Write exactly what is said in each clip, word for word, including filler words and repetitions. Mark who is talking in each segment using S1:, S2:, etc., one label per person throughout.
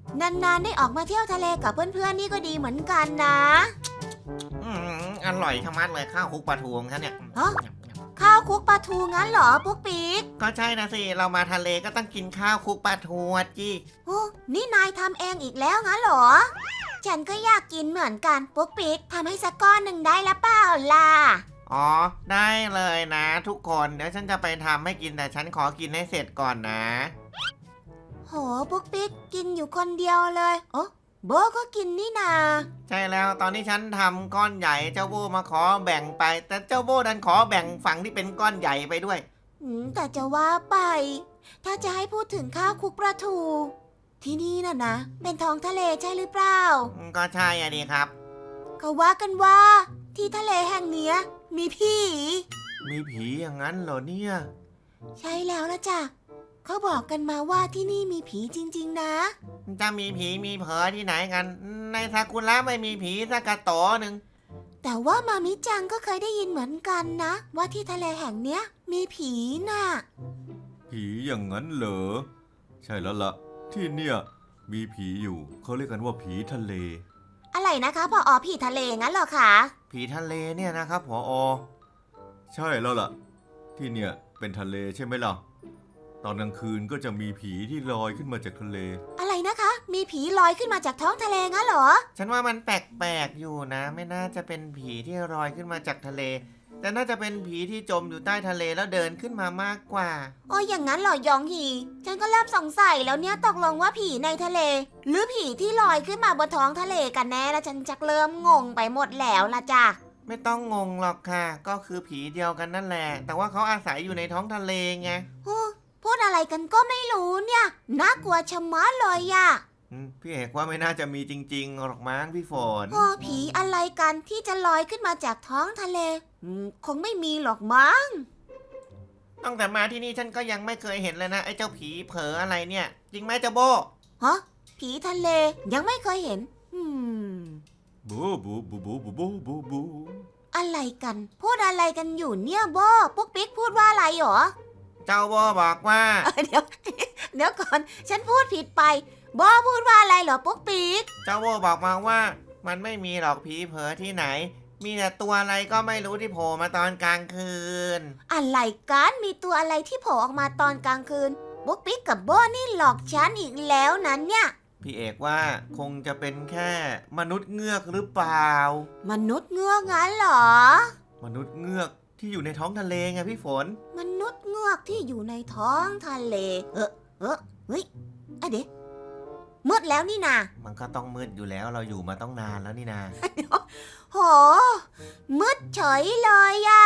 S1: นานๆได้ออกมาเที่ยวทะเลกับเพื่อนๆนี่ก็ดีเหมือนกันนะ
S2: อืมอร่อยชะมัดเลยข้าวคลุกปลาทูของฉันเนี่ย
S1: ฮะข้าวคลุกปลาทูงั้นเหรอปุ๊กปิ๊ก
S2: ก็ใช่นะสิเรามาทะเลก็ต้องกินข้าวคลุกปลาทูอ่ะจี้
S1: โอ้นี่นายทำเองอีกแล้วงั้นเหรอฉันก็อยากกินเหมือนกันปุ๊กปิ๊กทำให้สักก้อนหนึ่งได้ละเปล่าล่ะ
S2: อ๋อได้เลยนะทุกคนเดี๋ยวฉันจะไปทำให้กินแต่ฉันขอกินให้เสร็จก่อนนะ
S1: โหปุ๊กปิ๊กกินอยู่คนเดียวเลยโอ้โบก็กินนี่นา
S2: ใช่แล้วตอนที่ฉันทำก้อนใหญ่เจ้าโบมาขอแบ่งไปแต่เจ้าโบดันขอแบ่งฝั่งที่เป็นก้อนใหญ่ไปด้วย
S1: อืมแต่จะว่าไปถ้าจะให้พูดถึงข้าวคลุกปลาทูที่นี่น่ะนะเป็นท้องทะเลใช่หรือเปล่า
S2: ก็ใช่อะดีครับ
S1: เขาว่ากันว่าที่ทะเลแห่งเนี้ยมีผี
S2: มีผีอย่างนั้นเหรอเนี่ย
S1: ใช่แล้วละจ้ะเขาบอกกันมาว่าที่นี่มีผีจริงๆนะ
S2: จะมีผีมีเผอที่ไหนกันในซากุระไม่มีผีสักกระโตหนึ่ง
S1: แต่ว่ามามิจังก็เคยได้ยินเหมือนกันนะว่าที่ทะเลแห่งเนี้ยมีผีน่ะ
S3: ผีอย่างนั้นเหรอใช่แล้วล่ะที่เนี่ยมีผีอยู่เขาเรียกกันว่าผีทะเล
S1: อะไรนะคะพออผีทะเลงั้นเหรอคะ
S2: ผีทะเลเนี่ยนะครับผอ
S3: ใช่แล้วล่ะที่เนี่ยเป็นทะเลใช่ไหมล่ะตอนกลางคืนก็จะมีผีที่ลอยขึ้นมาจากทะเล
S1: อะไรนะคะมีผีลอยขึ้นมาจากท้องทะเลงั้นเหรอ
S2: ฉันว่ามันแปลกๆอยู่นะไม่น่าจะเป็นผีที่ลอยขึ้นมาจากทะเลแต่น่าจะเป็นผีที่จมอยู่ใต้ทะเลแล้วเดินขึ้นมามากกว่า
S1: อ๋ออย่างนั้นเหรอยองฮีฉันก็เริ่มสงสัยแล้วเนี่ยตกลงว่าผีในทะเล หรือผีที่ลอยขึ้นมาบนท้องทะเลกันแน่แล้วฉันจักเริ่มงงไปหมดแล้วล่ะจ้ะ
S2: ไม่ต้องงงหรอกค่ะก็คือผีเดียวกันนั่นแหละแต่ว่าเขาอาศัยอยู่ในท้องทะเลไง
S1: พูดอะไรกันก็ไม่รู้เนี่ยน่ากลัวชะมัดเลยอะ
S2: พี่เอกว่าไม่น่าจะมีจริงๆหรอกมั้งพี่ฝน
S1: โอ้ผีอะไรกันที่จะลอยขึ้นมาจากท้องทะเลคงไม่มีหรอกมั้ง
S2: ตั้งแต่มาที่นี่ฉันก็ยังไม่เคยเห็นเลยนะไอ้เจ้าผีเผลออะไรเนี่ยจริงไหมเจ้าโบ
S1: ฮะผีทะเลยังไม่เคยเห็นอืม
S3: บูบูบูบูบูบูบูบู
S1: อะไรกันพูดอะไรกันอยู่เนี่ยโบปุ๊กปิ๊กพูดว่าอะไรหรอ
S2: เจ้าโบบอกว่า
S1: เดี๋ยวเดี๋ยวก่อนฉันพูดผิดไปโบพูดว่าอะไรเหรอปุ๊กปิ๊ก
S2: เจ้าโบบอกมาว่ามันไม่มีหรอกผีเผลอที่ไหนมีแต่ตัวอะไรก็ไม่รู้ที่โผล่มาตอนกลางคืน
S1: อะไรกันมีตัวอะไรที่โผล่ออกมาตอนกลางคืนปุ๊กปิ๊กกับโบนี่หลอกฉันอีกแล้วนั้นเนี่ย
S2: พี่เอกว่าคงจะเป็นแค่มนุษย์เงือกหรือเปล่าม
S1: นุษย์เงือกงั้นเหรอ
S2: มนุษย์เงือกที่อยู่ในท้องทะเลไงพี่ฝน
S1: มนุษย์เงือกที่อยู่ในท้องทะเลเออเออเฮ้ยอะเดี๋ยวมืดแล้วนี่นา
S2: มันก็ต้องมืดอยู่แล้วเราอยู่มาต้องนานแล้วนี่นา
S1: โหมืดเฉยเลยอะ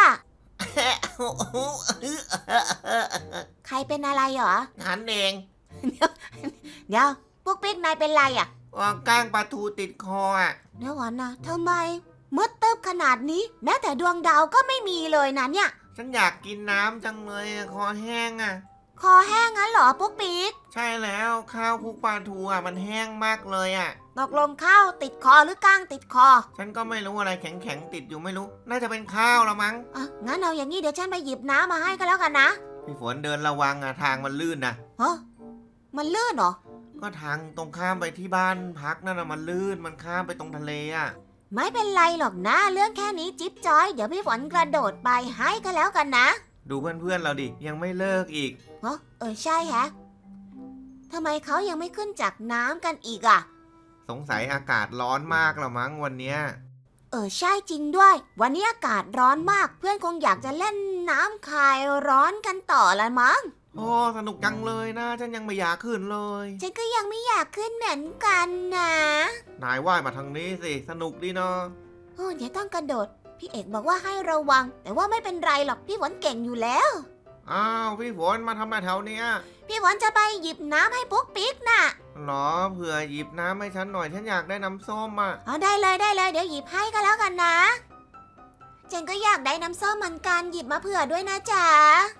S1: ใครเป็นอะไรเหรอ
S2: ฉันเอง
S1: เดี๋ยวเดี๋ยวพวกปิ๊กนายเป็นไรอ่ะ
S2: ว่าก้างปลาทูติดคออ่ะ
S1: เดี๋ยวก่อนนะทำไมมืดตึ๊บขนาดนี้แม้แต่ดวงดาวก็ไม่มีเลยนะเนี่ย
S2: ฉันอยากกินน้ำจังเลยคอแห้งอ่ะ
S1: คอแห้งงั้นเหรอปุ๊กปิ๊ก
S2: ใช่แล้วข้าวคลุกปลาทูอ่ะมันแห้งมากเลยอ่ะ
S1: ตกลงข้าวติดคอหรือก้างติดคอ
S2: ฉันก็ไม่รู้อะไรแข็งๆติดอยู่ไม่รู้น่าจะเป็นข้าวละมั้ง
S1: อ่ะงั้นเอาอย่างนี้เดี๋ยวฉันไปหยิบน้ำมาให้ก็แล้วกันนะ
S2: พี่ฝนเดินระวังอ่ะทางมันลื่นนะ
S1: ฮะมันลื่นเหรอ
S2: ก็ทางตรงข้ามไปที่บ้านพักนั่นน่ะมันลื่นมันข้ามไปตรงทะเลอ่ะ
S1: ไม่เป็นไรหรอกนะเรื่องแค่นี้จิ๊บจอยเดี๋ยวพี่ฝนกระโดดไปให้ก็แล้วกันนะ
S2: ดูเพื่อนๆเราดิยังไม่เลิกอีก
S1: เออเออใช่ฮะทำไมเขายังไม่ขึ้นจากน้ำกันอีกอ่ะ
S2: สงสัยอากาศร้อนมากละมั้งวันเนี้ย
S1: เออใช่จริงด้วยวันนี้อากาศร้อนมากเพื่อนคงอยากจะเล่นน้ำคลายร้อนกันต่อละมั้ง
S2: โอ้สนุกจังเลยนะฉันยังไม่อยากขึ้นเลย
S1: ฉันก็ยังไม่อยากขึ้นเหมือนกันนะ
S2: นายว่ายมาทางนี้สิสนุกดีเนาะ
S1: โอ้เดี๋ยวต้องกระโดดพี่เอกบอกว่าให้ระวังแต่ว่าไม่เป็นไรหรอกพี่ฝนเก่งอยู่แล้ว
S2: อ้าวพี่ฝนมาทำอะไรแถวเนี้ย
S1: พี่ฝนจะไปหยิบน้ำให้ปุ๊กปิ๊กน่ะ
S2: หรอเผื่อหยิบน้ำให้ฉันหน่อยฉันอยากได้น้ำส้มอ่ะ
S1: อ๋อได้เลยได้เลยเดี๋ยวหยิบให้ก็แล้วกันนะฉันก็อยากได้น้ำส้มเหมือนกันหยิบมาเผื่อด้วยนะจ๊ะ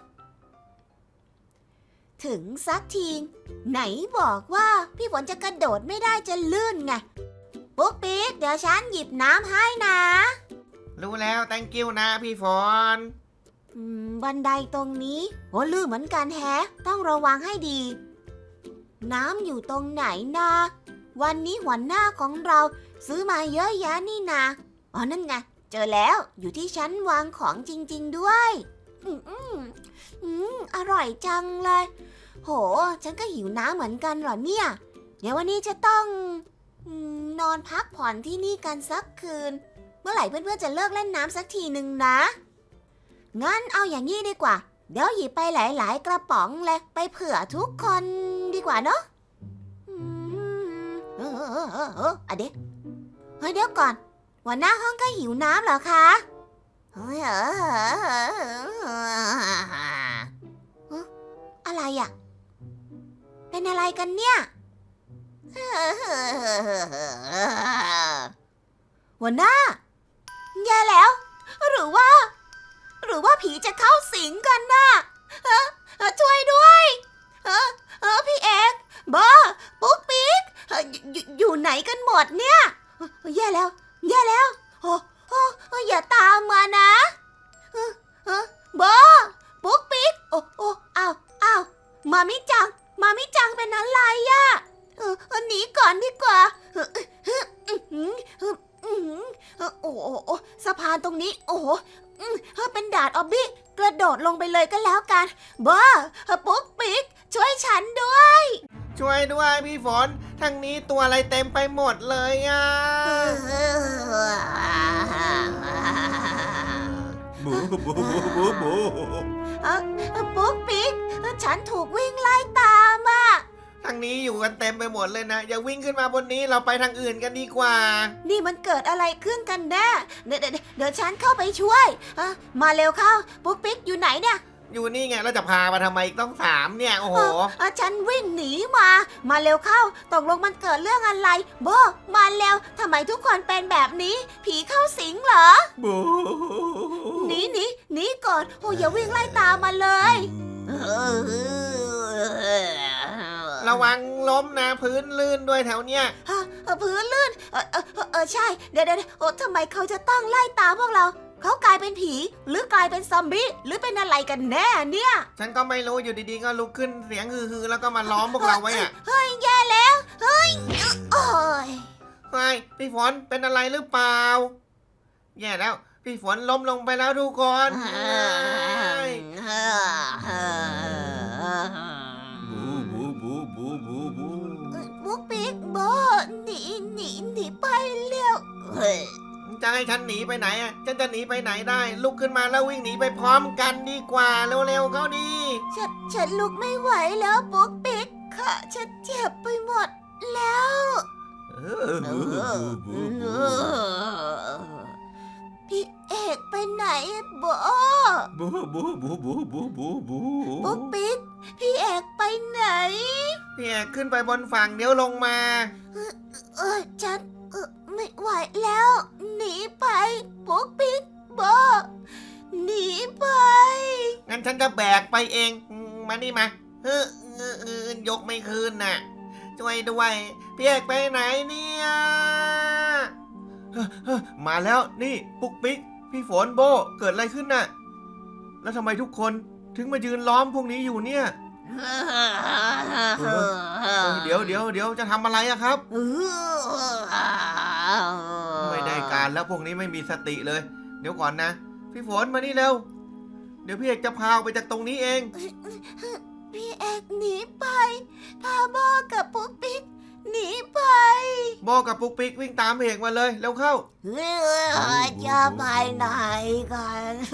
S1: ถึงสักทีไหนบอกว่าพี่ฝนจะกระโดดไม่ได้จะลื่นไงปุ๊กปิ๊กเดี๋ยวฉันหยิบน้ำให้นะ
S2: รู้แล้ว thank you นะพี่ฝน
S1: อืมบันไดตรงนี้โหลื่นเหมือนกันแฮะต้องระวังให้ดีน้ำอยู่ตรงไหนนะวันนี้หัวหน้าของเราซื้อมาเยอะแยะนี่นาอ๋อนั่นไงเจอแล้วอยู่ที่ชั้นวางของจริงๆด้วยอืมอืมอืมอร่อยจังเลยโหฉันก็หิวน้ำเหมือนกันเหรอเนี่ยเดี๋ยววันนี้จะต้องอืมนอนพักผ่อนที่นี่กันสักคืนเมื่อไหร่เพื่อนๆจะเลิกเล่นน้ำสักทีหนึ่งนะงั้นเอาอย่างนี้ดีกว่าเดี๋ยวหยิบไปหลายๆกระป๋องเลยไปเผื่อทุกคนดีกว่าเนาะอืมเออเออเออเอออะเดี๋ยวเฮ้ยเดี๋ยวก่อนหัวหน้าห้องก็หิวน้ำเหรอคะเฮ้ยเออเอออะไรอ่ะเป็นอะไรกันเนี่ยหัวหน้าแย่แล้วหรือว่า หรือว่าผีจะเข้าสิงกันน่ะเออเออช่วยด้วยเออเออพี่เอกบอปุ๊กปิ๊กเอ่ออยู่อยู่ไหนกันหมดเนี่ยเออแย่แล้วแย่แล้วโอ้โอ้โอ้อย่าตามมานะเออเออบอปุ๊กปิ๊กโอ้โอ้อ้าวอ้าวมามิจังมามิจังเป็นอะไรอะเออเออหนีก่อนดีกว่าเออเอออื้อหือเอออื้อหือเออโอ้โอ้โอ้สะพานตรงนี้โอ้โหอืมเออเป็นดาดออบบี้กระโดดลงไปเลยก็แล้วกันบอเออปุ๊กปิ๊กช่วยฉันด้วย
S2: ช่วยด้วยพี่ฝนทางนี้ตัวอะไรเต็มไปหมดเลยอ่ะ
S3: บูบูบูบูบู
S1: เออเออปุ๊กปิ๊กเออฉันถูกวิ่งไล่ตามอ่ะ
S2: ทางนี้อยู่กันเต็มไปหมดเลยนะอย่าวิ่งขึ้นมาบนนี้เราไปทางอื่นกันดีกว่า
S1: นี่มันเกิดอะไรขึ้นกันแน่เดี๋ยวเดี๋ยวเดี๋ยวฉันเข้าไปช่วยเออมาเร็วเข้าปุ๊กปิ๊กอยู่ไหนเนี่ย
S2: อยู่นี่ไงเราจะพามาทำไมอีกต้องสามเนี่ยโอ้โห
S1: เออเออฉันวิ่งหนีมา มาเร็วเข้าตกลงมันเกิดเรื่องอะไรโบมาเร็วทำไมทุกคนเป็นแบบนี้ ผีเข้าสิงเหรอ
S3: บู
S1: หนีหนีหนีก่อนโอ้อย่าวิ่งไล่ตามมาเลย
S2: ระวังล้มนะพื้นลื่นด้วยแถวเนี้ย
S1: ฮะเออพื้นลื่นเออเออเออเออใช่เดี๋ยวเดี๋ยวเดี๋ยวโอ้ทำไมเขาจะต้องไล่ตามพวกเรา เขากลายเป็นผีหรือกลายเป็นซอมบี้หรือเป็นอะไรกันแน่เนี่ย
S2: ฉันก็ไม่รู้อยู่ดีๆก็ลุกขึ้นเสียงฮือๆแล้วก็มาล้อมพวกเราไว้อะ
S1: เฮ้ยแย่แล้วเฮ้ยโอ้ย
S2: เฮ้ยพี่ฝนเป็นอะไรหรือเปล่าแย่แล้วพี่ฝนล้มลงไปแล้วทุกคนเฮ้ย
S3: บูบูบูบูบูบู
S1: บุ๊กปิ๊กโบหนีหนีหนีไปเร็วเฮ้ย
S2: จะให้ฉันหนีไปไหนอ่ะฉันจะหนีไปไหนได้ ลุกขึ้นมาแล้ววิ่งหนีไปพร้อมกันดีกว่าเร็วๆเข้าดี
S1: ฉันฉันลุกไม่ไหวแล้วบุ๊กปิ๊กค่ะฉันเจ็บไปหมดแล้ว
S3: เออบูบูบู
S1: พี่เอกไปไหนโบ
S3: บูบูบูบูบูบูบู
S1: บุ๊กปิ๊กพี่เอกไปไหน
S2: พี่เอกขึ้นไปบนฝั่งเดี๋ยวลงมา
S1: เออฉันเออไม่ไหวแล้ว หนีไปบุ๊กปิ๊กโบหนีไป
S2: งั้นฉันจะแบกไปเองอืมมานี่มาเฮ้อเออเออยกไม่คืนน่ะ ช่วยด้วยพี่เอกไปไหนเนี่ยเฮ้อเฮ้อมาแล้วนี่ปุ๊กปิ๊กพี่ฝนโบเกิดอะไรขึ้นน่ะ แล้วทำไมทุกคนถึงมายืนล้อมพวกนี้อยู่เนี่ย เออเดี๋ยวเดี๋ยวเดี๋ยวจะทำอะไรอะครับ ไม่ได้การแล้วพวกนี้ไม่มีสติเลย เดี๋ยวก่อนนะ พี่ฝนมานี่เร็ว เดี๋ยวพี่เอกจะพาออกไปจากตรงนี้เอง
S1: พี่เอกหนีไปพาโบกับปุ๊กปิ๊กหนีไป
S2: โบกับปุ๊กปิ๊กวิ่งตามพี่เอกมาเลยเร็วเข้า
S1: เฮ้ยจะไปไหนกัน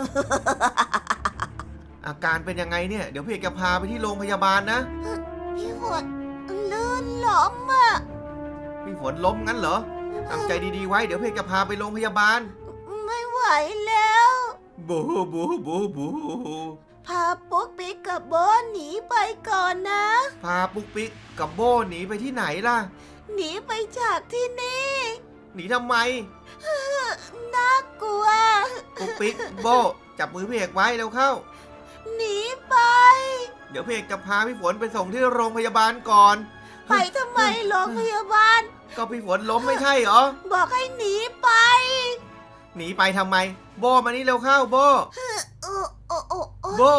S2: อาการเป็นยังไงเนี่ย เดี๋ยวพี่เอกจะพาไปที่โรงพยาบาลนะ
S1: พี่ฝนลื่นล้มอ่ะ
S2: พี่ฝนล้มงั้นเหรอตั้งใจดีๆไว้ เดี๋ยวพี่เอกจะพาไปโรงพยาบาล
S1: ไม่ไหวแล้ว
S3: บูบูบูบู
S1: พาปุ๊กปิ๊กกับโบหนีไปก่อนนะ
S2: พาปุ๊กปิ๊กกับโบหนีไปที่ไหนล่ะ
S1: หนีไปจากที่นี่
S2: หนีทำไม
S1: น่ากลัว
S2: ปุ๊กปิ๊กโบจับมือพี่เอกไว้เร็วเข้า
S1: หนีไป
S2: เดี๋ยวพี่เอกจะพาพี่ฝนไปส่งที่โรงพยาบาลก่อน
S1: ไปทำไมโรงพยาบาล
S2: ก็พี่ฝนล้มไม่ใช่เหรอ
S1: บอกให้หนีไป
S2: หนีไปทำไม โบมานี่เร็วเข้าโบ
S1: โอ้โอ้โอ้โอ้
S2: โบ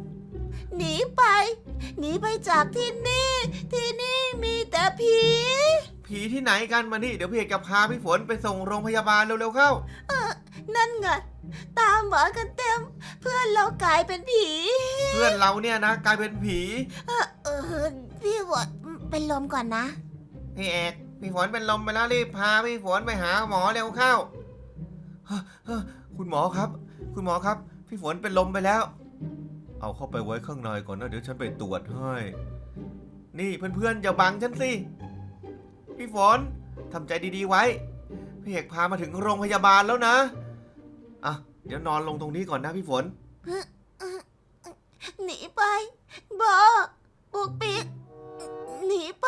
S1: หนีไป หนีไปจากที่นี่ ที่นี่มีแต่ผี
S2: ผีที่ไหนกันมานี่เดี๋ยวพี่เอกจะพาพี่ฝนไปส่งโรงพยาบาลเร็วๆเข้า
S1: นั่นไงตามหมากันเต็ม เพื่อนเรากลายเป็นผี
S2: เพื่อนเราเนี่ยนะกลายเป็นผี
S1: เออเออพี่ฝนเป็นลมก่อนนะ
S2: พี่เอกพี่ฝนเป็นลมไปแล้วรีบพาพี่ฝนไปหาหมอเร็วเข้าเฮ้อเฮ้อคุณหมอครับ คุณหมอครับ พี่ฝนเป็นลมไปแล้ว เอาเข้าไปไว้ข้างในก่อนนะเดี๋ยวฉันไปตรวจให้นี่เพื่อนๆอย่าบังฉันสิพี่ฝนทำใจดีๆไว้พี่เอกพามาถึงโรงพยาบาลแล้วนะอ่ะเดี๋ยวนอนลงตรงนี้ก่อนนะพี่ฝน
S1: หนีไปบอปุกปิกหนีไป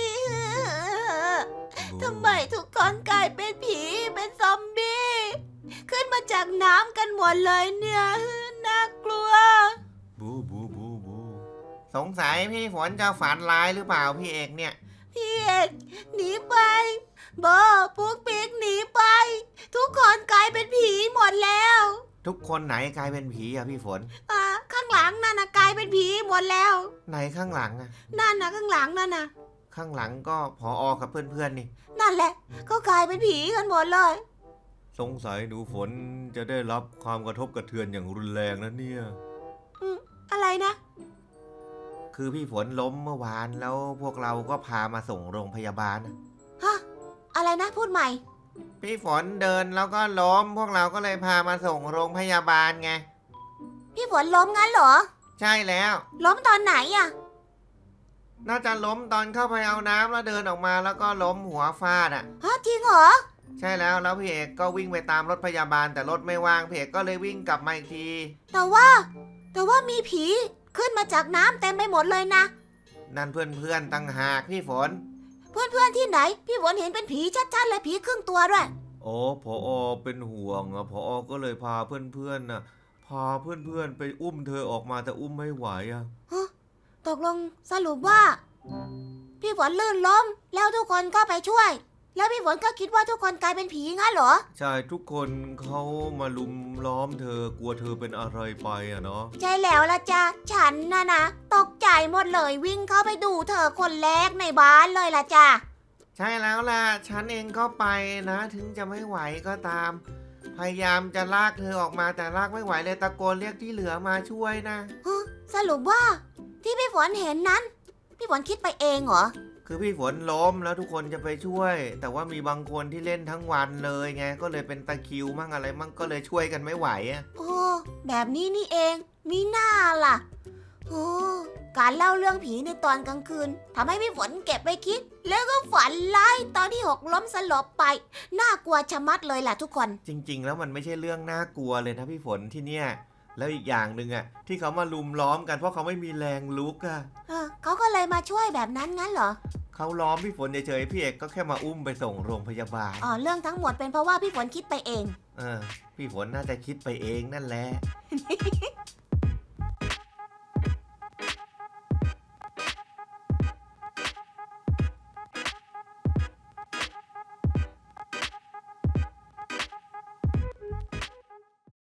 S1: ทำไมทุกคนกลายเป็นผีเป็นซอมบี้ขึ้นมาจากน้ำกันหมดเลยเนี่ยน่ากลัว
S3: บูบูบูบู
S2: สงสัยพี่ฝนจะฝันร้ายหรือเปล่าพี่เอกเนี่ย
S1: พี่เอกหนีไปบอปุกปิกหนีไป ทุกคนกลายเป็นผีหมดแล้ว
S2: ทุกคนไหนกลายเป็นผีอะพี่ฝน
S1: อ่าข้างหลังนั่นนะกลายเป็นผีหมดแล้ว
S2: ไหนข้างหลังอะ
S1: นั่นนะข้างหลังนั่นนะ
S2: ข้างหลังก็พออกับเพื่อนๆนี่
S1: นั่นแหละก็กลายเป็นผีกันหมดเลย
S3: สงสัยหนูฝนจะได้รับความกระทบกระเทือนอย่างรุนแรงนะเนี่ย
S1: อะไรนะ
S2: คือพี่ฝนล้มเมื่อวานแล้วพวกเราก็พามาส่งโรงพยาบาลนะ
S1: ฮะอะไรนะพูดใหม่
S2: พี่ฝนเดินแล้วก็ล้มพวกเราก็เลยพามาส่งโรงพยาบาลไง
S1: พี่ฝนล้มงั้นเหรอ
S2: ใช่แล้ว
S1: ล้มตอนไหนอะ
S2: น่าจะล้มตอนเข้าไปเอาน้ำแล้วเดินออกมาแล้วก็ล้มหัวฟาดอ่ะ
S1: ฮะจริงเหรอ
S2: ใช่แล้วแล้วพี่เอกก็วิ่งไปตามรถพยาบาลแต่รถไม่ว่างพี่เอกก็เลยวิ่งกลับมาอีกที
S1: แต่ว่า แต่ว่ามีผีขึ้นมาจากน้ำเต็มไปหมดเลยนะ
S2: นั่นเพื่อนๆตั้งหากพี่ฝน
S1: เพื่อนๆที่ไหน พี่ฝนเห็นเป็นผีชัดๆเลยผีครึ่งตัวด้วย
S3: อ๋อพอเป็นห่วงอ่ะพอก็เลยพาเพื่อนๆน่ะพาเพื่อนๆไปอุ้มเธอออกมาแต่อุ้มไม่ไหวอ่ะ
S1: ฮะตกลงสรุปว่า พี่ฝนลื่นล้มแล้วทุกคนก็ไปช่วย แล้วพี่ฝนก็คิดว่าทุกคนกลายเป็นผีงั้นเหรอ
S3: ใช่ทุกคนเขามาลุมล้อมเธอกลัวเธอเป็นอะไรไปอ่ะเนาะ
S1: ใช่แล้วละจ้ะฉันนะนะตกใจหมดเลยวิ่งเข้าไปดูเธอคนแรกในบ้านเลยละจ้ะ
S2: ใช่แล้วล่ะฉันเองก็ไปนะถึงจะไม่ไหวก็ตาม พยายามจะลากเธอออกมาแต่ลากไม่ไหวเลยตะโกนเรียกที่เหลือมาช่วยนะ
S1: ฮะสรุปว่า ที่พี่ฝนเห็นนั้น พี่ฝนคิดไปเองเหรอ
S2: คือพี่ฝนล้มแล้วทุกคนจะไปช่วย แต่ว่ามีบางคนที่เล่นทั้งวันเลยไงก็เลยเป็นตะคริวมั่งอะไรมั่งก็เลยช่วยกันไม่ไหวอะ
S1: โอ้แบบนี้นี่เองมีหน้าล่ะโอ้การเล่าเรื่องผีในตอนกลางคืนทำให้พี่ฝนเก็บไปคิด แล้วก็ฝันร้ายตอนที่หกล้มสลบไปน่ากลัวชะมัดเลยล่ะทุกคน
S2: จริง ๆ แล้วมันไม่ใช่เรื่องน่ากลัวเลยนะพี่ฝนที่เนี่ยแล้วอีกอย่างหนึ่งอะที่เขามาลุมล้อมกันเพราะเขาไม่มีแรงลุกอะ
S1: เออเขาก็เลยมาช่วยแบบนั้นงั้นเหรอ
S2: เขาล้อมพี่ฝนเฉยๆพี่เอกก็แค่มาอุ้มไปส่งโรงพยาบาล
S1: อ๋อเรื่องทั้งหมดเป็นเพราะว่าพี่ฝนคิดไปเอง
S2: เออพี่ฝนน่าจะคิดไปเองนั่นแหละ